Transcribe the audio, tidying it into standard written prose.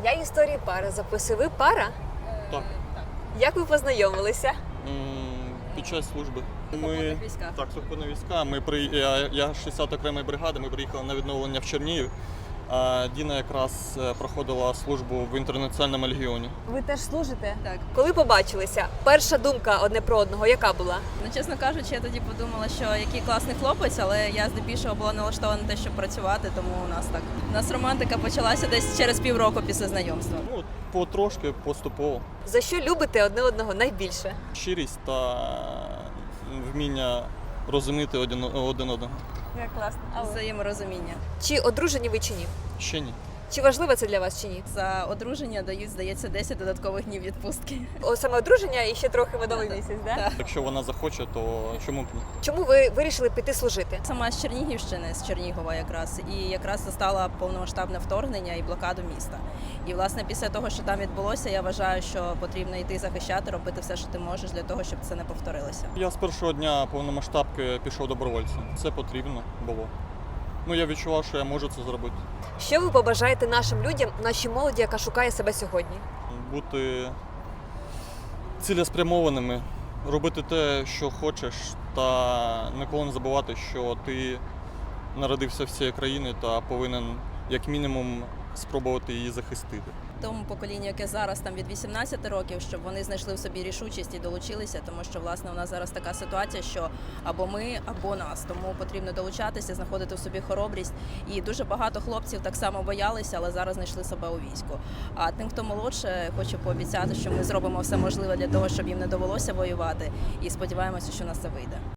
Я історії пари записую. Ви пара? Так. Як ви познайомилися? Під час служби. Сухопутних військах. Так, сухопутні війська. Я 60 окремої бригади, ми приїхали на відновлення в Чернігів. А Діна якраз проходила службу в Інтернаціональному легіоні. Ви теж служите? Так. Коли побачилися, перша думка одне про одного яка була? Ну, чесно кажучи, я тоді подумала, що який класний хлопець, але я здебільшого була налаштована на те, щоб працювати, тому у нас так. У нас романтика почалася десь через півроку після знайомства. Ну, потрошки, поступово. За що любите одне одного найбільше? Щирість та вміння розуміти один одного. Як класно. Взаєморозуміння. Чи одружені ви чи ні? Ще ні. Чи важливо це для вас чи ні? За одруження дають, здається, 10 додаткових днів відпустки. Саме одруження і ще трохи медовий місяць, да? Так. Якщо вона захоче, то чому б ні? Чому ви вирішили піти служити? Сама з Чернігівщини, з Чернігова якраз, і якраз застала повномасштабне вторгнення і блокаду міста. І, власне, після того, що там відбулося, я вважаю, що потрібно йти захищати, робити все, що ти можеш для того, щоб це не повторилося. Я з першого дня повномасштабки пішов добровольцем. Це потрібно було. Ну, я відчував, що я можу це зробити. Що ви побажаєте нашим людям, нашій молоді, яка шукає себе сьогодні? Бути цілеспрямованими, робити те, що хочеш, та ніколи не забувати, що ти народився в цій країні та повинен, як мінімум, спробувати її захистити. Тому поколінню, яке зараз там від 18 років, щоб вони знайшли в собі рішучість і долучилися, тому що, власне, у нас зараз така ситуація, що або ми, або нас. Тому потрібно долучатися, знаходити в собі хоробрість. І дуже багато хлопців так само боялися, але зараз знайшли себе у війську. А тим, хто молодше, хочу пообіцяти, що ми зробимо все можливе для того, щоб їм не довелося воювати. І сподіваємося, що у нас це вийде.